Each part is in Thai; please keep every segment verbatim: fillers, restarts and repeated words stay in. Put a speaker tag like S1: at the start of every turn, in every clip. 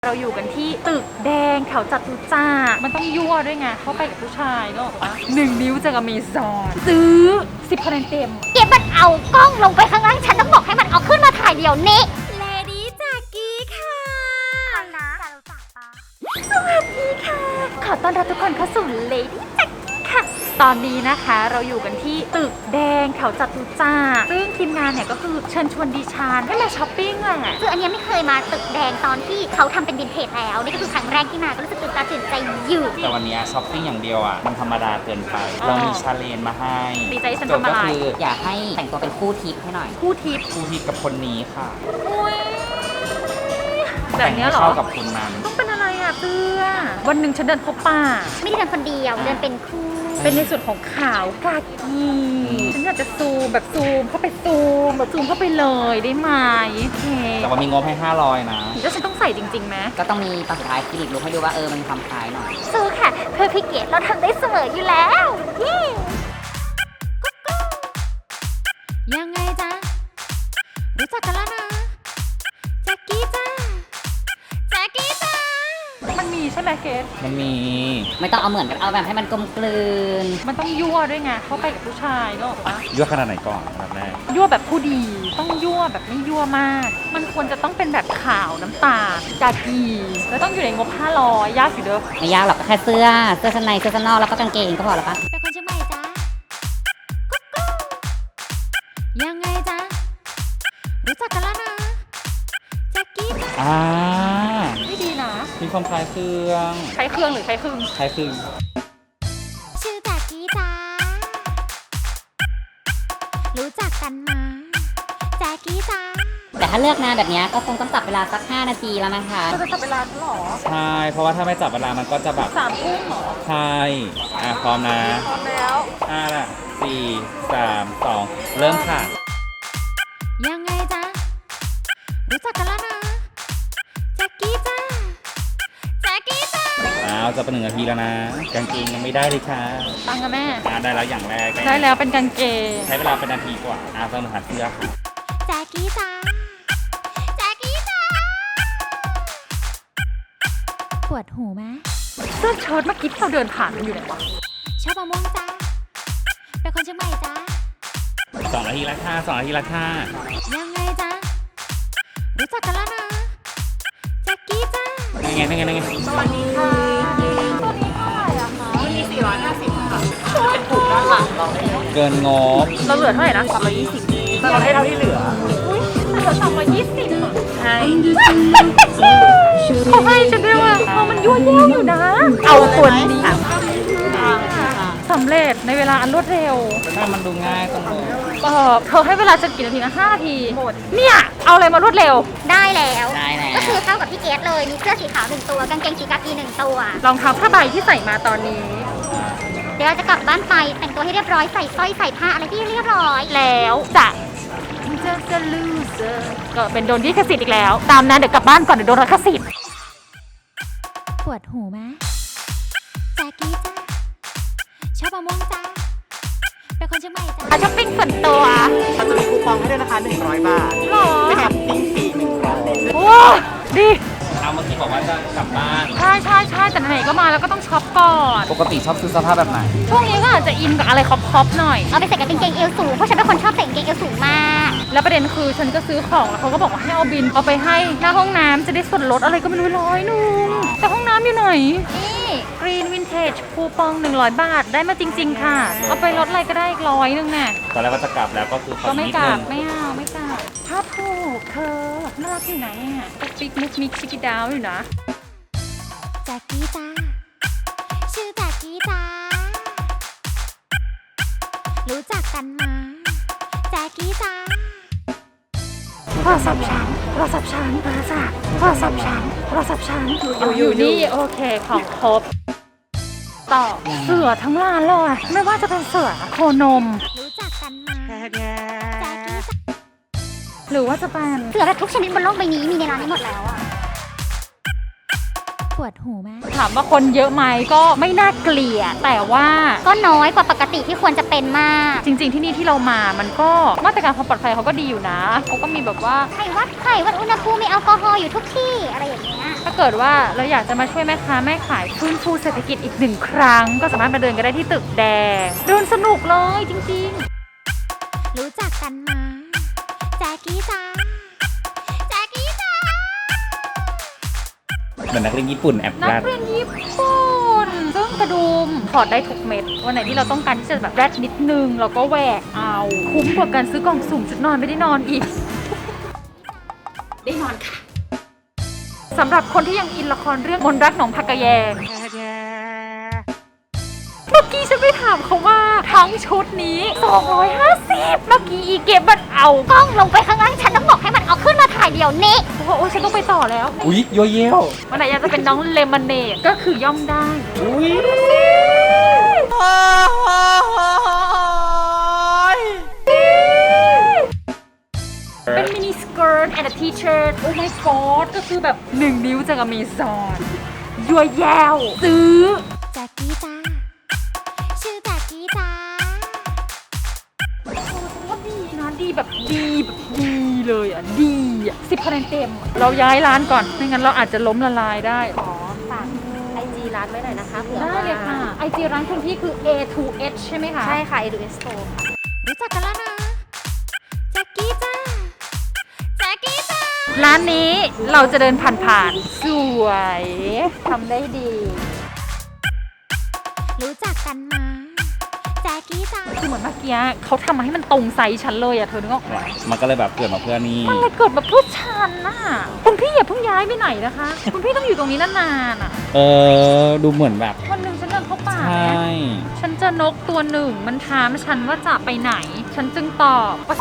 S1: เราอยู่กันที่ตึกแดงแถวจตุจักรมันต้องยั่วด้วยไงเข้าไปกับผู้ชายเนอะปะหนึ่งนิ้วจากอเมซอนซื้อสิบคะแนนเต็ม
S2: เก็บมันเอากล้องลงไปข้างล่างฉันต้องบอกให้มันเอาขึ้นมาถ่ายเดี๋ยวนี้เลดี้จากกี้ค่ะนะสวัสดีค่ะขอต้อนรับทุกคนเข้าสู่เลดี้จากกี้ค่ะ
S1: ตอนนี้นะคะเราอยู่กันที่ตึกแดงแถวจตุจักรซึ่งทีมงานเนี่ยก็คือเชิญชวนดิฉันให้มาช้อปปิ้งแหละ
S2: คืออันนี้ไม่เคยมาตึกแดงตอนที่เขาทำเป็นวินเทจแล้วนี่ก็คือครั้งแรกที่มาก็รู้สึกตื่นตาตื่นใจอยู่
S3: แต่วันนี้ช้อปปิ้งอย่างเดียวอ่ะมันธรรมดาเกินไปเรามีชาเลนจ์มาให้
S1: ดีใจฉัน
S3: โจท
S1: ทำ
S3: ย์
S1: อะ
S3: ก็
S1: ไร
S3: คือ
S4: อยากให้แต่งตัวเป็นคู่ทิปให้หน่อย
S1: คู่ทิป
S3: คู่ทิพย์กับคนนี้ค่ะ
S1: อุ้ยแบบเนี้ยเหรอ
S3: เข้ากับคนนั้น
S1: ต้องเป็นอะไรอ่ะเพื่อวันหนึ่งฉันเดินพบป่า
S2: ไม่ได้เดินคนเดียวเดินเป็นคู่
S1: เป็นในส่วนของขาวกากีฉันอยากจะซูมแบบซูมเข้าไปซูมแบบซูมเข้าไปเลยได้ไหมโอเค
S3: แต่ว่ามีงบให้ห้าร้อยนะ
S1: แล้วฉันต้องใส่จริงๆไหม
S4: ก็ต้องมีตอนสุดท้ายคลินิกลุกให้ดูว่าเออมันมีความคล้ายหน่อย
S2: สู้ค่ะเพื่อพี่เกดเราทำได้เสมออยู่แล้ว
S1: ยังไงจ๊ะรู้จักกันแล้วนะแจ็คกี้จ้าแจ็คกี้จ้ามันมีใช่ไหมเกด
S3: มันมี
S4: ไม่ต้องเอาเหมือนกันเอาแบบให้มันกลมกลืน
S1: มันต้องยั่วด้วยไงเข้าไปกับผู้ชายเนอะปะ
S3: ยั่วขนาดไหนก่อนอันดับแรก
S1: ยั่วแบบผู้ดีต้องยั่วแบบไม่ยั่วมาก มันควรจะต้องเป็นแบบขาวน้ำตาลกากีแล้วต้องอยู่ในงบห้าร้อยยากอยู่เด้อ
S4: ไม่ยากหรอกก็แค่เสื้อ เสื้อชั้นในเสื้อชั้นนอกแล้วก็กางเกงก็พอแล้วปะ
S2: เป็นคนเชียงใหม่จ้า
S1: ยังไงจ๊ะรู้จักกันแล้วนะแจ็คกี้จ้า
S3: อ่า
S1: ไม่ดีนะ
S3: มีความคล้ายเครื่อง
S1: ใช้เครื่องหรือใช้ครึ่ง
S3: คล้ายเครื่อง
S2: ชื่อจากกี้จ้ารู้จักกันมาแจ็คกี้จ้า
S4: แต่ถ้าเลือกนานแบบเนี้ยก็คงต้องจับเวลาสักห้านาทีแล้วนะคะ
S1: เราจะจับเวลาหรอ
S3: ใช่ เพราะว่าถ้าไม่จับเวลามันก็จะแบบ
S1: สามทุ่มหรอ
S3: ใช่อ่ะพร้อมนะ
S1: พร้อมแล้ว
S3: ห้าละสี่สามสองเริ่มค่ะ
S1: ยังไงจ๊ะรู้จักกันแล้วนะแจ็คกี้จ้าแจ็คกี้จ้า
S3: อ้าวจะเป็นหนึ่งนาทีแล้วนะกางเกงยังไม่ได้เลยค่ะ
S1: ตังกับแม่
S3: อ่าได้แล้วอย่างแรก
S1: ได้แล้วเป็นกางเกง
S3: ใช้เวลาเป็นนาทีกว่าอ่าเพิ่มหาเสื้อค่ะ
S2: แจ็คกี้จ้าแจ็คกี้จ้าปวดหูไหม
S1: เสื้อเชิ้ตเมื่อกี้ที่เราเดินผ่านมันอยู่ไหนวะ
S2: ชอบมะม่วงจ้าเป็นคนเชียงใหม่จ้า
S3: สองนาทีละค่ะสองนาทีละค่ะ
S1: ยังไงจ๊ะรู้จักกันแล้วนะแจ็คกี้จ้า
S3: ยังไงยังไงยังไง
S1: สวัสดีค่ะตัวนี้เท่าไหร่อะคะวันนี้สี่ร้อยห้าสิบค่ะเป็นถุงด้านหลังเราได้
S3: เกินงบ
S1: เราเหลือเท่าไหร่นะสามร้อยยี่สิบแต่เราให้เท่าที่เหลืออุ้ยเหลือสามร้อยยี่สิบใช่เขาให้ฉันด้วยว่ะเอามันยั่วเย้าอยู่นะ เอาตัวนี้สำเร็จในเวลาอันรวดเร็ว
S3: ถ้ามันดูง่ายตรงนี้
S1: เออเธอให้เวลาฉันกี่นาทีนะห้านาทีหมดเนี่ยเอาอะไรมารวดเร็ว
S2: ได้แล้ว
S4: ได้แล้ว
S2: ก็คือเท่ากับพี่เกดเลยมีเสื้อสีขาวหนึ่งตัวกางเกงสีกากีหนึ่งตัว
S1: รองเท้าผ้าใบที่ใส่มาตอนนี้
S2: เดี๋ยวเราจะกลับบ้านไปแต่งตัวให้เรียบร้อยใส่สร้อยใส่ผ้าอะไรที่เรียบร้อย
S1: แล้วจะจะจะลูเซอร์ก็เป็นโดนลิขสิทธิ์อีกแล้ว ตามนะเดี๋ยวกลับบ้านก่อนเดี๋ยวโดนลิขสิทธิ์
S2: ปวดหูไหมแจ็คกี้จ้าชอบมะม่วงจ้าเป็นคนเชียงใหม่จ้า
S1: ช้อปปิ้งส่วนตัว
S5: เราจะมีคูปองให้ด้วยนะคะหนึ่งร้อยบาท
S1: หรอ
S5: แถมปิ้งฟรีหนึ่งร้อย
S1: โอ้ดี
S3: เอาเมื่อกี้บอกว่าจะกลับบ้าน
S1: ใช่ใช่ใช่แต่ไหนๆก็มาแล้วก็ต้องช็อปก่อน
S3: ปกติชอบซื้อเสื้อผ้าแบบไหน
S1: ช่วงนี้ก็อาจจะอินกับอะไรคอปๆหน่อย
S2: เอาไปใส่กับกางเกงเอวสูงเพราะฉันเป็นคนชอบใส่กางเกงเอวสูงมาก
S1: แล้วประเด็นคือฉันก็ซื้อของแล้วเขาก็บอกว่าให้เอาบินเอาไปให้หน้าห้องน้ำจะได้ส่วนลดอะไรก็ไม่รู้ร้อยนึงแต่ห้องน้ำอยู่ไหนนี่กรีนวินเทจคูปองหนึ่งร้อยบาทได้มาจริงๆค่ะเอาไปลดอะไรก็ได้อีกร้อยนึงน่ะ
S3: ตอนแรกว่าจะกลับแล้วก็คือขอ
S1: ก็ไม่
S3: นิด
S1: กลั
S3: นึ
S1: บ
S3: ง
S1: ไม่เอาไม่กลับถ้าถูกเธอน่ารักอยู่ไหนอ่ะปิ๊กมุกมิกชิกิดาวอยู่นะ
S2: แจ็คกี้จ้าชื่อแจ็คกี้จ้ารู้จักกันมาแจ็คกี้จ้า
S1: โทรศัพท์ฉันโทรศัพท์ฉันโทรศัพท์โทรศัพท์ฉันโทรศัพท์ฉันอยู่อยู่นี่โอเคของครบต่อเสือทั้งร้านเลยไม่ว่าจะเป็นเสือโคนม
S2: รู้จักกันมาแจ็คกี้จ้า
S1: หรือว่าจะเป็น
S2: เสือแบบทุกชนิดบนโลกใบนี้มีในร้านนี้หมดแล้วอะปวดหูไหม
S1: ถามว่าคนเยอะไหมก็ไม่น่าเกลียดแต่ว่า
S2: ก็น้อยกว่าปกติที่ควรจะเป็นมาก
S1: จริงๆที่นี่ที่เรามามันก็มาตรการความปลอดภัยเขาก็ดีอยู่นะเขาก็มีแบบว่า
S2: ไข้วัดไข้วัดอุณหภูมิมีแอลกอฮอล์อยู่ทุกที่อะไรอย่างเงี้ย
S1: ถ้าเกิดว่าเราอยากจะมาช่วยแม่ค้าแม่ขายฟื้นฟูเศรษฐกิจอีกหนึ่งครั้งก็สามารถมาเดินกันได้ที่ตึกแดงเดินสนุกเลยจริงๆ
S2: รู้จักกันมาแจ๊กกี้จ้าแจ๊กกี้จ้า
S3: เหมือนนักเรียนญี่ปุ่นแอบ
S1: นั
S3: แร
S1: ก
S3: ด
S1: เรียนญี่ปุ่นซึ่งกระดุมถอดได้ทุกเม็ดวันไหนที่เราต้องการที่จะแบบแรดนิดนึงเราก็แหวกเอาคุ้มกว่าการซื้อกล่องสุ่มชุดนอนไม่ได้นอนอีก ได้นอนค่ะสำหรับคนที่ยังอินละครเรื่องมนต์รักหนองผักกะแยงเมื่อกี้ฉันไปถามเขาว่าทั้งชุดนี้สองร้อยห้าสิบเมื่อกี้อีเก็บมันเอา
S2: กล้องลงไปข้างล่างฉันต้องบอกให้มันเอาขึ้นมาถ่ายเดี๋ยวนี้
S1: โอ้โหฉันต้องไปต่อแล้ว
S3: อุ๊ยโยเย่ว
S1: วันไหนอยากจะเป็นน้องเลมอนเนดก็คือย่อมได้
S3: อุ๊ย
S1: เป็นมินิสเกิร์ตแอนด์ทีเชิร์ตโอ้ my god ก็คือแบบหนึ่งนิ้วจากอเมซอนยัวแยวซื้อ
S2: แจ๊กกี้จ้าชื่อแจ๊กกี้จ้า
S1: โอ้ว่าดีนะดีแบบดีแบบดีเลยอ่ะดีอ่ะสิบคะแนนเต็มอะเราย้ายร้านก่อนไม่งั้นเราอาจจะล้มละลายได้
S4: ขอฝากไอจีร้านไว้หน่อยนะคะเผื่อ
S1: ได้เลยค่ะไอจีร้านคุณพี่คือ เอ ทู เอช ใช่ไหมคะ
S4: ใช่ค่ะ เอ ทู เอส Store
S2: รู้จักกันแล้วนะแจ๊กกี้จ้าแจ๊กกี้จ้า
S1: ร้านนี้เราจะเดินผ่านๆสวยทำได้ดี
S2: รู้จักกันมาแจ๊กกี้จ้า
S1: คือเหมือนเมื่อกี้เขาทำมาให้มันตรงไซส์ฉันเลยอ่ะเธอนึกออกไหม
S3: มันก็เลยแบบเกิดมาเพื่อนี่
S1: มันเลยเกิดแบบเพื่อฉันน่ะคุณพี่อย่าเพิ่งย้ายไปไหนนะคะ คุณพี่ต้องอยู่ตรงนี้นานๆอ่ะ
S3: เออดูเหมือนแบบ
S1: วันหนึ่งฉันเดินเข้าป่า
S3: ใช่
S1: ฉันเจอนกตัวหนึ่งมันถามฉันว่าจะไปไหน ฉันจึงตอบว่า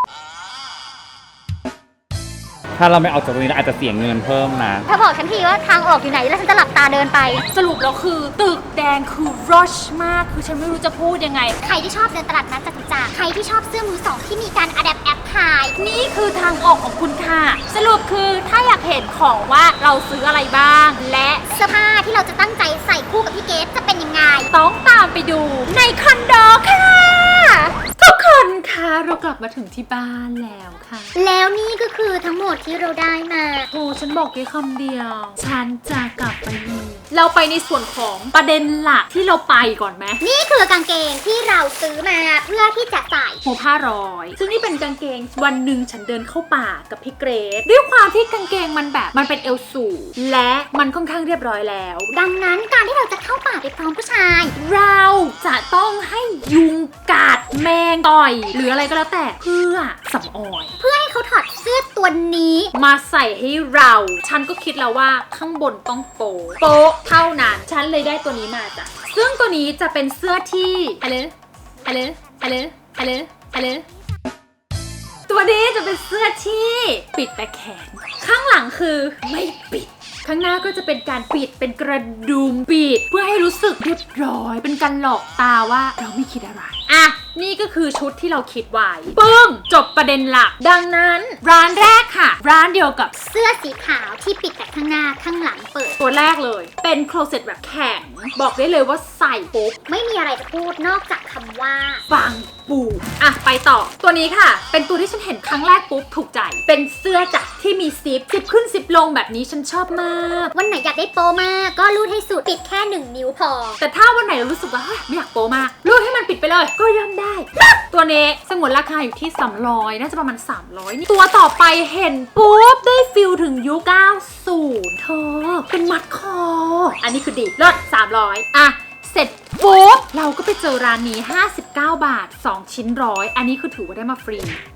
S3: ถ้าเราไม่ออกจากตรงนี้เราอาจจะเสียเงินเพิ่มนะ
S2: เธอบอกฉันทีว่าทางออกอยู่ไหนแล้วฉันจะหลับตาเดินไป
S1: สรุปแล้วคือตึกแดงคือ rush มากคือฉันไม่รู้จะพูดยังไง
S2: ใครที่ชอบเดินตลาดนัดจตุจักรใครที่ชอบเสื้อมือสองที่มีการอะแดปแอปถ่าย
S1: นี่คือทางออกของคุณค่ะ สรุปคือถ้าอยากเห็นของว่าเราซื้ออะไรบ้าง และ
S2: เสื้อผ้าที่เราจะตั้งใจใส่คู่กับพี่เกดจะเป็นยังไง
S1: ต้องตามไปดูในคอนโดค่ะ ทุกคนคะเรากลับมาถึงที่บ้านแล้วค่ะ
S2: แล้วนี่ก็คือทั้งหมดที่เราได้มา
S1: โอ้ฉันบอกแค่คำเดียว ฉันจะกลับไปอีกเราไปในส่วนของประเด็นหลักที่เราไปก่อนไหม
S2: นี่คือกางเกงที่เราซื้อมาเพื่อที่จะใส่
S1: หัวผ้าร้อย ซึ่งนี่เป็นกางเกงวันหนึ่งฉันเดินเข้าป่ากับพี่เกรซด้วยความที่กางเกงมันแบบมันเป็นเอวสูงและมันค่อนข้างเรียบร้อยแล้ว
S2: ดังนั้นการที่เราจะเข้าป่าไปพร้อมผู้ชาย
S1: เราจะต้องให้ยุงกัดแมงต่อย หรืออะไรก็แล้วแต่เพื่อสำออย
S2: เพื่อให้เขาถอดเสื้อตัวนี้
S1: มาใส่ให้เรา ฉันก็คิดแล้วว่าข้างบนต้องโปะโปะเท่านั้น ฉันเลยได้ตัวนี้มาจ้ะ ซึ่งตัวนี้จะเป็นเสื้อที่อะไรอะไรอะไรอะไรอะไรตัวนี้จะเป็นเสื้อที่ปิดแต่แขน ข้างหลังคือไม่ปิด ข้างหน้าก็จะเป็นการปิดเป็นกระดุมปิด เพื่อให้รู้สึกเรียบร้อย เป็นการหลอกตาว่าเราไม่คิดอะไร อ่ะ นี่ก็คือชุดที่เราคิดไว้ปึ้งจบประเด็นหลัก ดังนั้น ร้านแรกค่ะ ร้านเดียวกับ
S2: เสื้อสีขาวที่ปิดแต่ข้างหน้าข้างหลังเปิด
S1: ตัวแรกเลย เป็นโคลเซ็ตแบบแข็ง บอกได้เลยว่าใส่ปุ๊บ
S2: ไม่มีอะไรจะพูดนอกจากคำว่า
S1: ฟังปูอ่ะ ไปต่อ ตัวนี้ค่ะ เป็นตัวที่ฉันเห็นครั้งแรกปุ๊บถูกใจ เป็นเสื้อจากที่มีซิปซิปขึ้นซิปลงแบบนี้ฉันชอบมาก
S2: วันไหนอยากได้โปมากก็รูดให้สุดปิดแค่หนึ่งนิ้วพอ
S1: แต่ถ้าวันไหนเรารู้สึกว่าเฮ้ยไม่อยากโปมากรูดให้มันปิดไปเลย ก็ย่อมได้ ตัวนี้สงวนราคาอยู่ที่สามร้อยน่าจะประมาณสามร้อยนี่ตัวต่อไปเห็นปุ๊บได้ฟิลถึงยุคเก้าสิบเธอเป็นมัดคอ อันนี้คือดีเลิศสามร้อยอ่ะ เสร็จปุ๊บเราก็ไปเจอร้านนี้ห้าสิบเก้าบาทสองชิ้นร้อยอันนี้คือถือว่าได้มาฟรี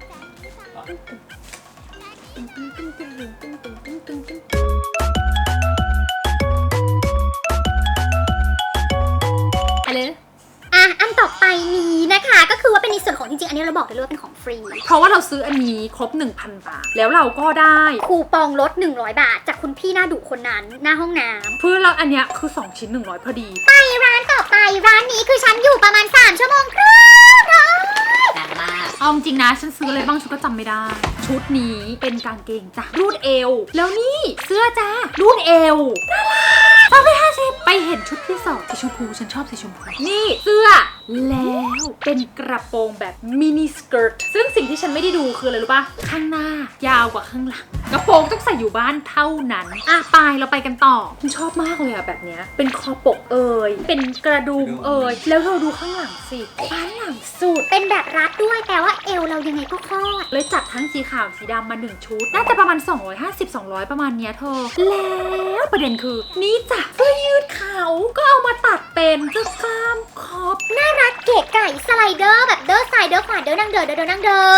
S1: อะไร
S2: อ่ะ อันต่อไปนี้นะคะ ก็คือว่าเป็นในส่วนของจริงๆ อันนี้เราบอกได้เลยว่าเป็นของฟรี
S1: เพราะว่าเราซื้ออันนี้ครบ หนึ่งพัน บาท แล้วเราก็ได้
S2: คูปองลดหนึ่งร้อยบาท จากคุณพี่หน้าดุคนนั้นหน้าห้องน้ำ
S1: เพื่อเราอันเนี้ยคือสองชิ้นหนึ่งร้อยพอดี
S2: ไปร้านต่อไปร้านนี้คือฉันอยู่ประมาณสามชั่วโมงครึ่งเนาะ
S4: นานมาก
S1: เอาจริงๆนะฉันซื้ออะไรบ้างฉันก็จำไม่ได้ ชุดนี้เป็นกางเกงจ้ะรูดเอว แล้วนี่เสื้อจ้ารูดเอวน่ารักสองร้อยห้าสิบไปเห็นชุดที่สองสีชมพูฉันชอบสีชมพูนี่เสื้อแล้วเป็นกระโปรงแบบมินิสเกิร์ตซึ่งสิ่งที่ฉันไม่ได้ดูคืออะไรรู้ปะข้างหน้ายาวกว่าข้างหลังกระโปรงต้องใส่อยู่บ้านเท่านั้นอ่ะไปเราไปกันต่อฉันชอบมากเลยอะแบบเนี้ยเป็นคอปกเอยเป็นกระดุมเอยแล้วเราดูข้างหลังสิบ้านหลังสุด
S2: เป็นแบบรัดด้วยแต่ว่าเอวเรายังไงก็คลอด
S1: เลยจัดทั้งสีขาวสีดำมาหนึ่งชุดน่าจะประมาณสองร้อยห้าสิบ สองร้อยประมาณเนี้ยเธอแล้วประเด็นคือนี่จ้ะเสื้อยืดขาวก็เอามาตัดเป็นเสื้อกล้ามคอป
S2: น่ารักเก๋ไก่สไลเดอร์แบบเดอร์ซ้ายเดอร์ขวาเดอร์นั่งเดอเดอเดอนั่งเดอ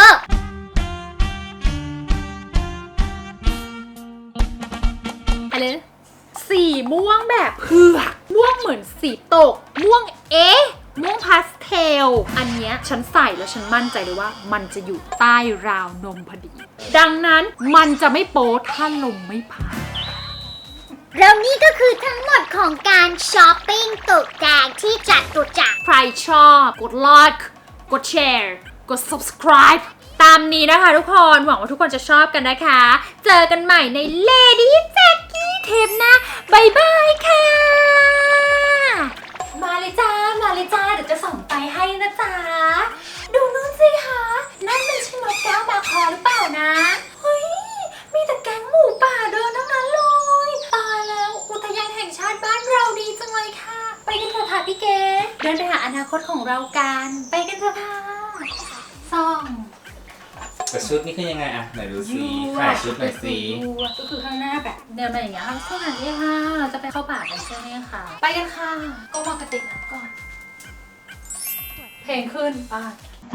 S1: อะไรนะสีม่วงแบบเผือกม่วงเหมือนสีตก ม่วงเอ๊ะม่วงพาสเทลอันเนี้ยฉันใส่แล้วฉันมั่นใจเลยว่ามันจะอยู่ใต้ราวนมพอดี ดังนั้นมันจะไม่โป๊ถ้าลมไม่พัด
S2: แล้วนี่ก็คือทั้งหมดของการช้อปปิ้งตุกแจงที่จัดตุจักร
S1: ใครชอบกดไลค์กดแชร์กด subscribe ตามนี้นะคะทุกคนหวังว่าทุกคนจะชอบกันนะคะ เจอกันใหม่ใน Lady Jackie เทปหน้าบายบายค่ะ มาเลยจ้า มาเลยจ้า เดี๋ยวจะส่องไปให้นะจ๊ะ ดูนู่นสิคะนั่นมันใช่นกแก้วมาคอหรือเปล่านะ เฮ้ย มีแต่แก๊งหมูป่าเดินทั้งนั้นเลย ตายแล้วอุทยานแห่งชาติบ้านเราดีจังเลยค่ะ ไปกันเถอะค่ะพี่เกดเดินไปหาอนาคตของเรากัน ไปกันเถอะค่ะส่อง
S3: แต่ชุดนี่คือยังไงอะไหนดูสิถ่ายชุดหน่อยสิ
S1: ก็คือข้างหน้าแบบเดินมาอย่างเงี้ยค่ะสวัสดีค่ะเราจะไปเข้าป่ากันใช่ไหมคะไปกันค่ะก็มากระติกน้ำก่อน เพลงขึ้นไป่ะ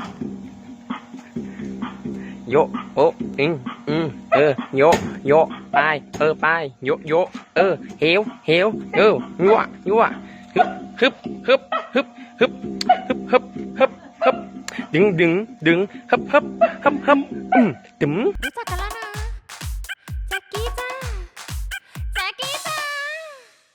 S6: โยโออิงอืมเออโยโยไปเออไปโยโยเออเฮวเฮวเออยั่วยั่วฮึบฮึบฮึบฮึบฮึบฮึบฮึบฮึบฮึบดึงดึงดึงฮึบฮึบฮึบฮึบอืมตึ๋ม
S1: รู้จักกันแล้วนะ